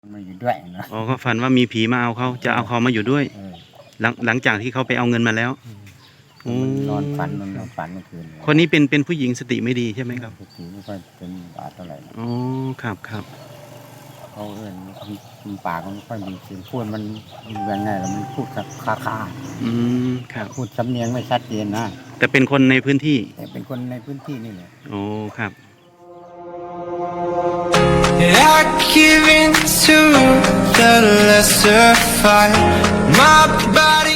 มาอยู่ด้วยนะอ๋อเขาฝันว่ามีผีมาเอาเขาจะเอาเขามาอยู่ด้วยหลังจากที่เขาไปเอาเงินมาแล้วมันนอนฝันเมื่อคืนคนนี้เป็นผู้หญิงสติไม่ดีใช่ไหมครับสติไม่ค่อยเป็นบาทเท่าไหร่นะอ๋อครับเขาปากมันไม่ค่อยมีเสียงพูดมันยังไงแล้วมันพูดคาครับพูดสำเนียงไม่ชัดเจนนะแต่เป็นคนในพื้นที่แต่เป็นคนในพื้นที่นี่แหละโอ้ครับ I give in to the lesser fight. My body.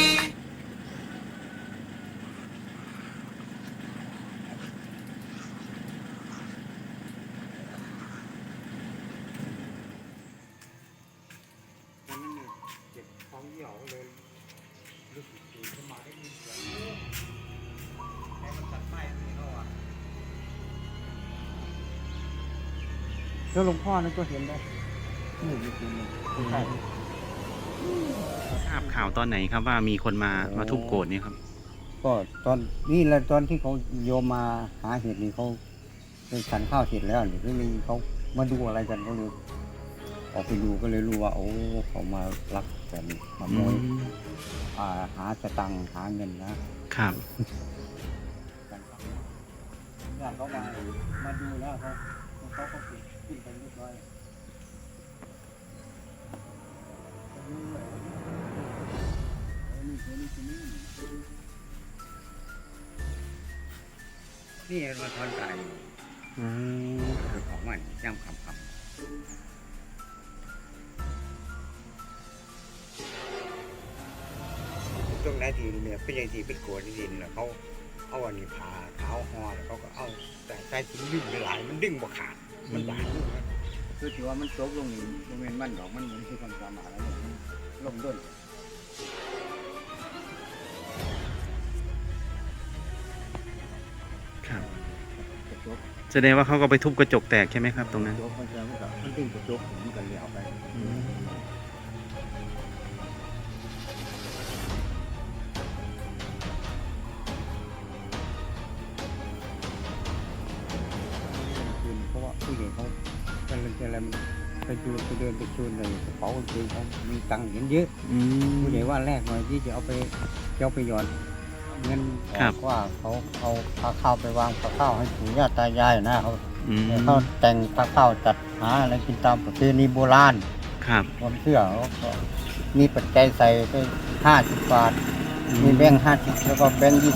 แล้วหลวงพ่อนั่นก็เห็นได้นี่จริงๆใช่ทราบข่าวตอนไหนครับว่ามีคนมาทุบโกรธนี่ครับก็ตอนนี่แหละตอนที่เขาโยมมาหาเห็ดนี่เขาเป็นฉันข้าวเสร็จแล้วหรือมีเขามาดูอะไรกันก็เลยออกไปดูก็เลยรู้ว่าโอ้เขามาลักกันมาโมยหาสตังค์หาเงินนะครับญาติเขามาดูแล้วเขาก็ขึ้นไปเรียบร้อยนี่มาทอนใจของมันย่ำคำตรงไหนทีเนี่ยเป็นอย่างที่เป็นโกรธดินแล้วเขาเอาอันนี้ผ่าเท้าห่อแล้วเขาก็เอาแต่ใส่ถุงดึงหลายมันดึงบ่ขาดมันบาดคือถือว่ามันตกลงนี่มันเป็นมันดอกมันเหมือนที่คนสามารถแล้วลงด้วยครับแสดงว่าเขาก็ไปทุบกระจกแตกใช่ไหมครับตรงนั้นมันดึงกระจกมันกันเหลียวไปเพราะว่าผู้หญิงเขาอะไรไปเดินไปชวนในกระเป๋าคือเขามีตังค์เยอะผู้ใหญ่ว่าแรกหน่อยที่จะเอาไปหย่อนเงินออกว่าเขาเอาพาข้าวไปวางพาข้าวให้ปู่ย่าตายายนะเขาแต่งพาข้าวจัดหาอะไรกินตามประเพณีโบราณความเชื่อเขามีปัจจัยใส่ไป50 บาทมีแบงค์50แล้วก็แบงค์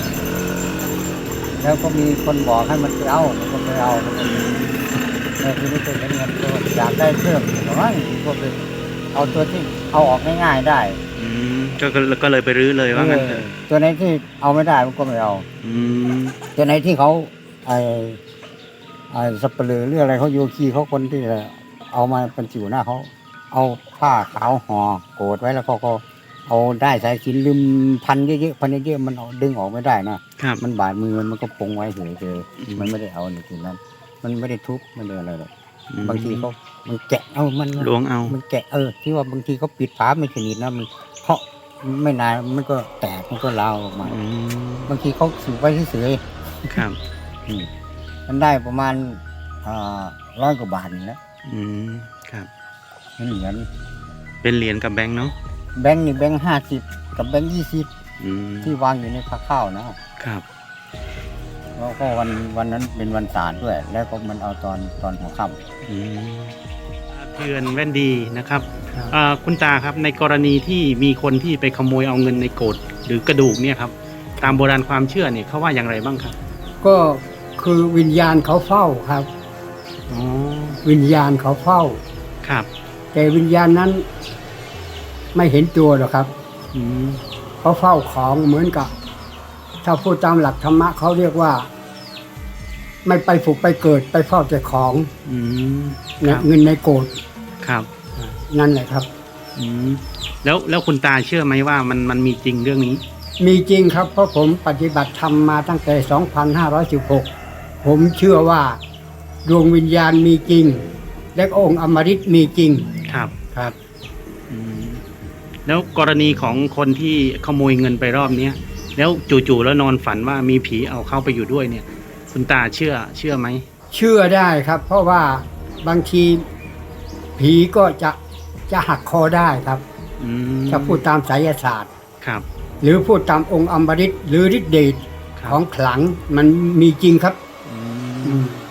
20แล้วก็มีคนบอกให้มันไปเอามันก็ไปเอาที่นี่เป็นเงินตัวอยากได้เพิ่มหรือว่าพวกเอาตัวที่เอาออกง่ายๆได้ก็เลยไปรื้อเลยว่างั้นตัวไหนที่เอาไม่ได้มันก็ไม่เอาตัวไหนที่เขาสับเปลือหรืออะไรเขาโยคีเขาคนที่เอามาเป็นจิ๋วหน้าเขาเอาผ้าขาวห่อโกดไว้แล้วก็เอาได้สายสิญจน์ลืมพันเยอะๆมันดึงออกไม่ได้นะมันบาดมือมันก็ปงไว้เฉยๆมันไม่ได้เอาในจุดนั้นมันไม่ได้ทุบไม่ได้อะไรหรอกบางทีมันแกะมันล้วงเอามันแกะที่ว่าบางทีเขาปิดฝาไม่สนิทนะมันเพราะไม่นานมันก็แตกมันก็ร้าวออกมาบางทีเขาสูบไว้เฉยๆครับมันได้ประมาณ100 กว่าบาทนี่แหละครับเป็นเหรียญกับแบงค์เนาะแบงค์นี่แบงค์50กับแบงค์20ที่วางอยู่ในผ้าข้าวนะครับแล้วก็วันนั้นเป็นวันศาสตร์ด้วยแล้วก็มันเอาตอนหัวค่ำเตือนแว่นดีนะครับคุณตาครับในกรณีที่มีคนที่ไปขโมยเอาเงินในโกฏหรือกระดูกเนี่ยครับตามโบราณความเชื่อเนี่ยเขาว่าอย่างไรบ้างครับก็คือวิญญาณเขาเฝ้าครับวิญญาณเขาเฝ้าครับแต่วิญญาณนั้นไม่เห็นตัวหรอกครับเขาเฝ้าของเหมือนกับถ้าพูดตามหลักธรรมะเขาเรียกว่าไม่ไปผุไปเกิดไปเฝ้าแต่ของเงินในโกฏครับนั่นแหละครับแล้วคุณตาเชื่อไหมว่ามันมีจริงเรื่องนี้มีจริงครับเพราะผมปฏิบัติธรรมมาตั้งแต่2516ผมเชื่อว่าดวงวิญญาณมีจริงและองค์อมฤตมีจริงครับครับแล้วกรณีของคนที่ขโมยเงินไปรอบนี้แล้วจู่ๆแล้วนอนฝันว่ามีผีเอาเข้าไปอยู่ด้วยเนี่ยคุณตาเชื่อไหมเชื่อได้ครับเพราะว่าบางทีผีก็จะจะหักคอได้ครับอืมถ้าพูดตามไสยศาสตร์ครับหรือพูดตามองค์อมฤตหรือฤทธิ์เดชครับของขลังมันมีจริงครับอือืมม